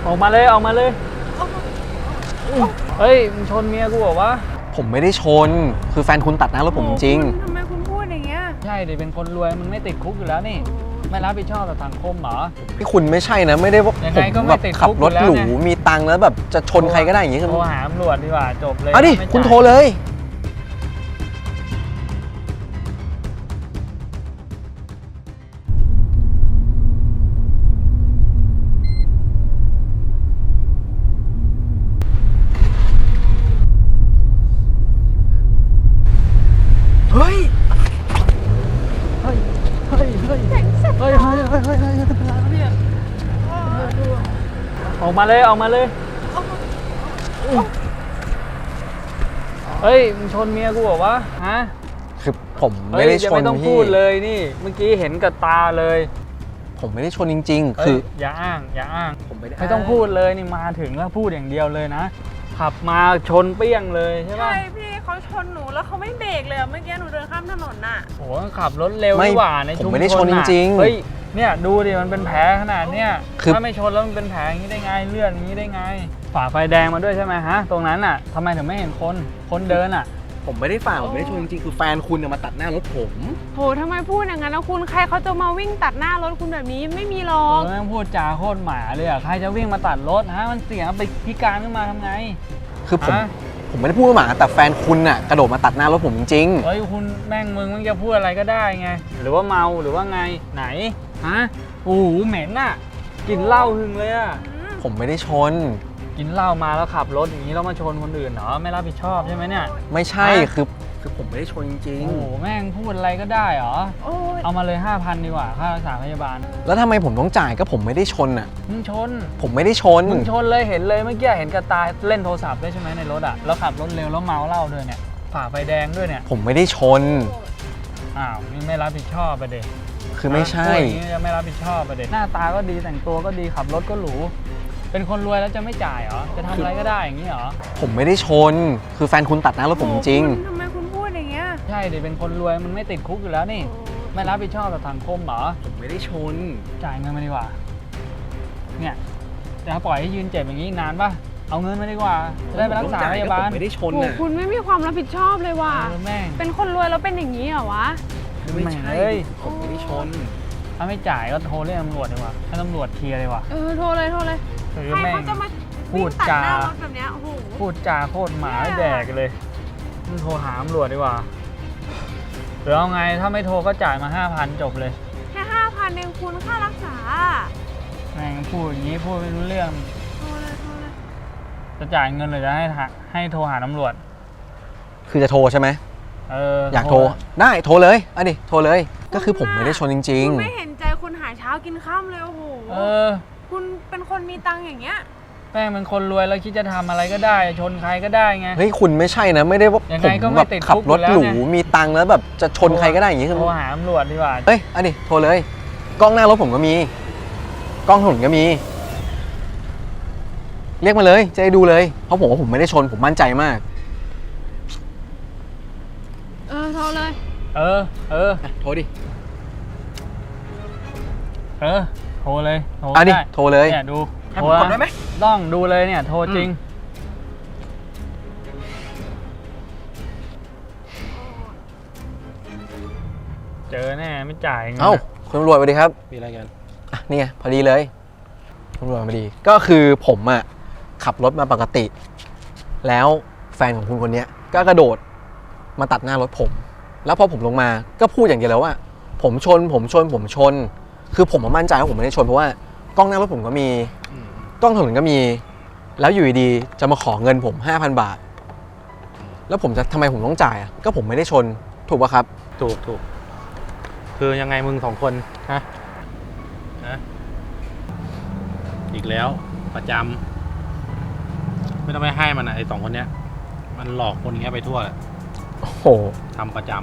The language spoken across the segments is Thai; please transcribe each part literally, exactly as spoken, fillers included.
ออกมาเลยออกมาเลยเฮ้ยมึงชนเมียกูเหรอวะผมไม่ได้ชนคือแฟนคุณตัดหน้ารถผมจริงทำไมคุณพูดอย่างเงี้ยใช่ดิเป็นคนรวยมึงไม่ติดคุกอยู่แล้วนี่ไม่รับผิดชอบต่อสังคมเหรอพี่คุณไม่ใช่นะไม่ได้ว่าผมแบบขับรถหรูมีตังค์แล้วแบบจะชนใครก็ได้อย่างงี้คือโทรหาตำรวจดีกว่าจบเลยเอาดิคุณโทรเลยเฮ้ยเฮ้ยเฮ้ยเฮ้ยเฮ้ยเฮ้ยเฮ้ยเฮ้ยเฮ้ยเฮ้ยออกมาเลยออกมาเลยเฮ้ยมึงชนเมียกูเหรอวะฮะคือผมไม่ได้ชนไม่ต้องพูดเลยนี่เมื่อกี้เห็นกับตาเลยผมไม่ได้ชนจริงๆคืออย่าอ้างอย่าอ้างผมไม่ได้ไม่ต้องพูดเลยนี่มาถึงแล้วพูดอย่างเดียวเลยนะขับมาชนเปี้ยงเลยใช่ไหมใช่พี่เขาชนหนูแล้วเขาไม่เบรกเลยเมื่อกี้หนูเดินข้ามถนนน่ะโอ้ขับรถเร็วดีกว่าในชุมชนผมไม่ได้ชนจริงๆเฮ้ยเนี่ยดูดิมันเป็นแผลขนาดเนี้ยถ้าไม่ชนแล้วมันเป็นแผลอย่างนี้ได้ไงเลือดอย่างนี้ได้ไงฝ่าไฟแดงมาด้วยใช่ไหมฮะตรงนั้นอ่ะทำไมถึงไม่เห็นคนคนเดินอ่ะผมไม่ได้ฝ่าผมไม่ได้ชนจริงๆคือแฟนคุณมาตัดหน้ารถผมโหทำไมพูดอย่างนั้นแล้วคุณใครเขาจะมาวิ่งตัดหน้ารถคุณแบบนี้ไม่มีหรอกแม่งพูดจาโคตรหมาเลยอ่ะใครจะวิ่งมาตัดรถฮะมันเสี่ยงไปพิการขึ้นมาทำไงคือผมผมไม่ได้พูดว่าหมาแต่แฟนคุณน่ะกระโดดมาตัดหน้ารถผมจริงเฮ้ยคุณแม่งมึงมึงจะพูดอะไรก็ได้ไงหรือว่าเมาหรือว่าไงไหนฮะโอ้โหเหม็นน่ะกินเหล้าหึงเลยอ่ะผมไม่ได้ชนกินเหล้ามาแล้วขับรถอย่างนี้แล้วมาชนคนอื่นเหรอไม่รับผิดชอบใช่ไหมเนี่ยไม่ใช่คือคือผมไม่ได้ชนจริงโอ้โหแม่งพูดอะไรก็ได้เหรอเอามาเลย ห้าพัน ดีกว่าค่ารักษาพยาบาลแล้วทำไมผมต้องจ่ายก็ผมไม่ได้ชนอ่ะมึงชนผมไม่ได้ชนมึงชนเลยเห็นเลยเมื่อกี้เห็นกระตายเล่นโทรศัพท์ด้วยใช่ไหมในรถอ่ะแล้วขับรถเร็วแล้วเมาเหล้าด้วยเนี่ยฝ่าไฟแดงด้วยเนี่ยผมไม่ได้ชนอ้าวนี่ไม่รับผิดชอบไปเด็กคือไม่ใช่อย่างนี้จะไม่รับผิดชอบไปเด็กหน้าตาก็ดีแต่งตัวก็ดีขับรถก็หรูเป็นคนรวยแล้วจะไม่จ่ายเหรอจะทำอะไรก็ได้อย่างนี้เหรอผมไม่ได้ชนคือแฟนคุณตัดหน้ารถผมจริงทำไมคุณพูดอย่างเงี้ยใช่ดิเป็นคนรวยมันไม่ติดคุกอยู่แล้วนี่ไม่รับผิดชอบต่อสังคมเหรอผมไม่ได้ชนจ่ายเงินมาดีกว่าเนี่ยจะปล่อยให้ยืนเจ็บอย่างนี้นานป่ะเอาเงินมาดีกว่าจะได้ไปรักษาพยาบาลไม่ได้ชนนะคุณไม่มีความรับผิดชอบเลยว่ะแม่งเป็นคนรวยแล้วเป็นอย่างนี้เหรอวะไม่ใช่ผมไม่ได้ชนถ้าไม่จ่ายก็โทรเรียกตำรวจดีกว่าให้ตำรวจเคลียร์เลยว่ะเออโทรเลยโทรเลยใครเขาจะมาพูดจาแบบเนี้ยโอ้โหพูดจาโคตรหมาแดกเลยมึงโทรหาตำรวจดีกว่าหรือเอาไงถ้าไม่โทรก็จ่ายมา ห้าพัน จบเลยแค่ ห้าพัน เองคุณค่ารักษาแม่งพูดอย่างนี้พูดไม่รู้เรื่องโทรเลยโทรเลยจะจ่ายเงินหรือจะให้ให้โทรหาตำรวจคือจะโทรใช่ไหมเอออยากโทรได้โทรเลยอ่ะดิโทรเลยก็คือผมไม่ได้ชนจริงๆคุณไม่เห็นใจคุณหาเช้ากินค่ำเลยโอ้โหเออคุณเป็นคนมีตังค์อย่างเงี้ยแม่งเป็นคนรวยแล้วคิดจะทำอะไรก็ได้ชนใครก็ได้ไงเฮ้ยคุณไม่ใช่นะไม่ได้ว่าผมแบบขับรถหรูมีตังค์แล้วแบบจะชนใครก็ได้อย่างงี้คือโทรหาตำรวจดีกว่าเฮ้ยอันนี้โทรเลยกล้องหน้ารถผมก็มีกล้องถนนก็มีเรียกมาเลยจะได้ดูเลยเพราะผมว่าผมไม่ได้ชนผมมั่นใจมากเออโทรเลยเออเออโทรดิเออโทรเลยโทรได้โทรเลยเนี่ยดูโทรได้ไหมต้องดูเลยเนี่ยโทรจริงเจอแน่ไม่จ่ายเงินเอ้าคุณตำรวจสวัสดีครับมีอะไรกันอ่ะนี่ไงพอดีเลยตำรวจพอดีก็คือผมอ่ะขับรถมาปกติแล้วแฟนของคุณคนนี้ก็กระโดดมาตัดหน้ารถผมแล้วพอผมลงมาก็พูดอย่างเดียวแล้วว่าผมชนผมชนผมชนคือผมมั่นใจว่าผมไม่ได้ชนเพราะว่ากล้องหน้ารถผมก็มีกล้องถนนก็มีแล้วอยู่ดีๆจะมาขอเงินผม ห้าพัน บาทแล้วผมจะทำไมผมต้องจ่ายอ่ะก็ผมไม่ได้ชนถูกป่ะครับถูกถูกคือยังไงมึงสองคนฮะฮะอีกแล้วประจำไม่ต้องไปให้มันนะไอ้สองคนเนี้ยมันหลอกคนอย่างเงี้ยไปทั่วโอ้โหทำประจำ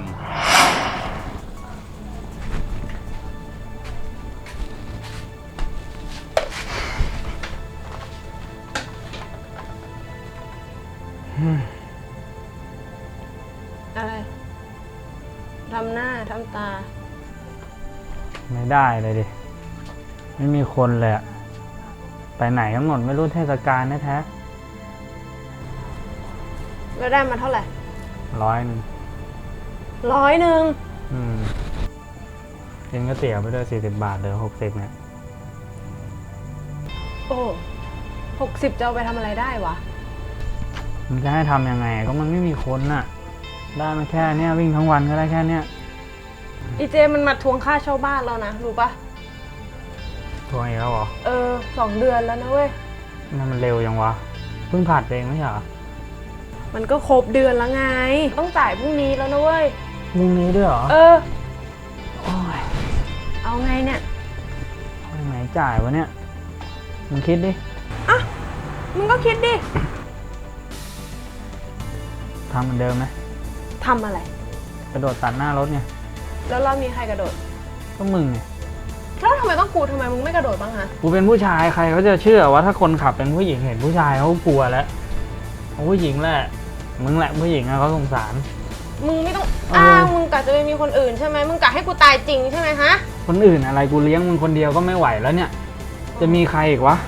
อะไรทำหน้าทำตาไม่ได้เลยดิไม่มีคนเลยอะไปไหนกำหนดไม่รู้เทศกาลแท้แล้วได้มาเท่าไหร่ๆร้อยหนึ่งร้อยหนึ่งอืมกินก๋วยเตี๋ยวไปด้วยสี่สิบบาทเหลือหกสิบเนี่ยโอ้หกสิบจะเอาไปทำอะไรได้วะมันจะให้ทำยังไงก็มันไม่มีคนน่ะ ได้มาแค่เนี้ยวิ่งทั้งวันก็ได้แค่เนี้ยอีเจมันมาทวงค่าเช่าบ้านแล้วนะรู้ปะทวงอีกแล้วเหรอเออสองเดือนแล้วนะเว้ยนั่นมันเร็วยังวะเพิ่งผัดเองไม่ใช่เหรอมันก็ครบเดือนแล้วไง ต้องจ่ายพรุ่งนี้แล้วนะเว้ยพรุ่งนี้ด้วยเหรอเออโอ้ยเอาไงเนี่ยทำไมจ่ายวะเนี่ยมึงคิดดิอ่ะ มึงก็คิดดิทำเหมือนเดิมไหมทำอะไรกระโดดตัดหน้ารถไงแล้วเรามีใครกระโดดก็มึงไงแล้วทำไมต้องกูทำไมมึงไม่กระโดดบ้างฮะกูเป็นผู้ชายใครเขาจะเชื่อว่าถ้าคนขับเป็นผู้หญิงเห็นผู้ชายเขาก็กลัวแล้วเอาผู้หญิงแหละมึงแหละผู้หญิงอะเขาสงสารมึงไม่ต้องเอออ้างมึงกะจะไปมีคนอื่นใช่ไหมมึงกะให้กูตายจริงใช่ไหมฮะคนอื่นอะไรกูเลี้ยงมึงคนเดียวก็ไม่ไหวแล้วเนี่ย จะมีใครอีกวะ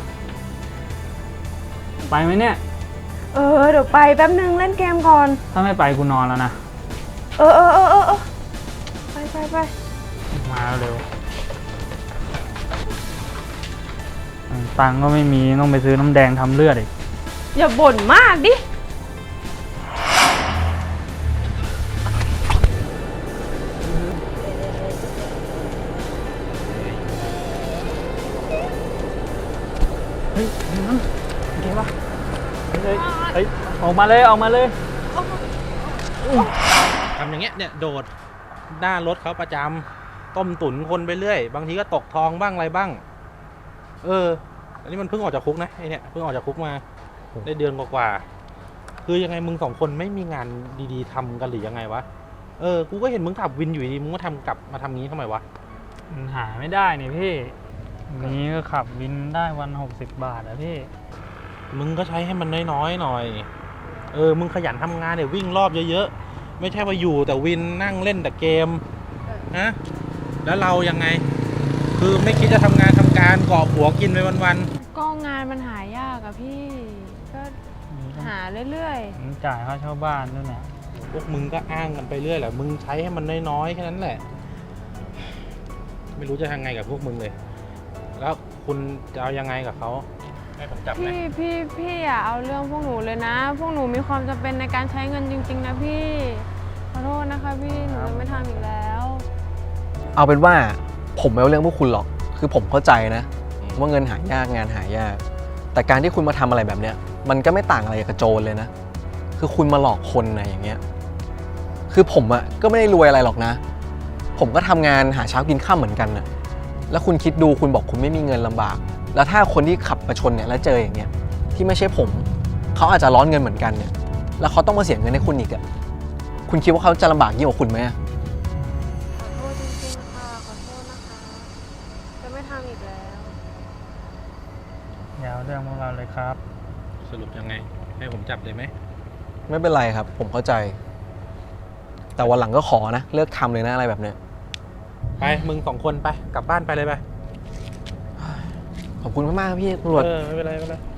ไปไหมเนี่ยเออเดี๋ยวไปแป๊บนึงเล่นเกมก่อนถ้าไม่ไปกูนอนแล้วนะเออเออเออเออเออไปไปไปมาเร็วตังค์ก็ไม่มีต้องไปซื้อน้ำแดงทำเลือดอีกอย่าบ่นมากดิเฮ้ยนั่นโอเคปะเฮ้ยเฮ้ยออกมาเลยออกมาเลยทำอย่างเงี้ยเนี่ยโดดหน้ารถเขาประจำต้มตุ๋นคนไปเรื่อย บางทีก็ตกทองบ้างอะไรบ้าง เออ อันนี้มันเพิ่งออกจากคุกนะไอเนี่ยเพิ่งออกจากคุกมาได้เดือนกว่าๆคือยังไงมึงสองคนไม่มีงานดีๆทำกันหรือยังไงวะเออกูก็เห็นมึงขับวินอยู่ดีมึงก็ทำกลับมาทำงี้ทำไมวะมันหาไม่ได้นี่พี่นี้ก็ขับวินได้วันหกสิบบาทอะพี่มึงก็ใช้ให้มันน้อยๆหน่อยเออมึงขยันทำงานเนี่ยวิ่งรอบเยอะๆไม่ใช่ว่าอยู่แต่วินนั่งเล่นแต่เกมฮะแล้วเรายังไง คือไม่คิดจะทำงานทำการเกาะหัวกินไปวันๆก็งานมันหายากอะพี่ ก็หาเรื่อยผมจ่ายค่าเช่าบ้านด้วยเนี่ยพวกมึงก็อ้างกันไปเรื่อยแหละ มึงใช้ให้มันน้อยๆแค่นั้นแหละ ไม่รู้จะทำไงกับพวกมึงเลย แล้วคุณจะเอายังไงกับเขาให้ผมจับๆไหมพี่พี่พี่อย่าเอาเรื่องพวกหนูเลยนะ พวกหนูมีความจำเป็นในการใช้เงินจริง ๆ นะพี่ ขอโทษนะคะพี่หนูจะไม่ทำอีกแล้วเอาเป็นว่าผมไม่เอาเรื่องพวกคุณหรอก คือผมเข้าใจนะว่าเงินหายากงานหายาก แต่การที่คุณมาทำอะไรแบบเนี้ยมันก็ไม่ต่างอะไรกับโจรเลยนะ คือคุณมาหลอกคนนะอย่างเงี้ย คือผมอะก็ไม่ได้รวยอะไรหรอกนะ ผมก็ทำงานหาเช้ากินข้าวเหมือนกันนะแล้วคุณคิดดูคุณบอกคุณไม่มีเงินลำบาก แล้วถ้าคนที่ขับมาชนเนี่ยแล้วเจออย่างเงี้ยที่ไม่ใช่ผมเขาอาจจะร้อนเงินเหมือนกันเนี่ยแล้วเขาต้องมาเสียเงินให้คุณอีกอะคุณคิดว่าเขาจะลำบากยิ่งกว่าคุณไหมอะขอโทษจริงๆค่ะ ขอโทษนะคะ จะไม่ทำอีกแล้วอย่าเอาเรื่องพวกเราเลยครับสรุปยังไง ให้ผมจับเลยไหมไม่เป็นไรครับ ผมเข้าใจ แต่วันหลังก็ขอนะเลิกทำเลยนะอะไรแบบเนี้ยไป มึงสองคนไป กลับบ้านไปเลยไปขอบคุณมากๆครับพี่ตำรวจเออ ไม่เป็นไรไม่เป็นไร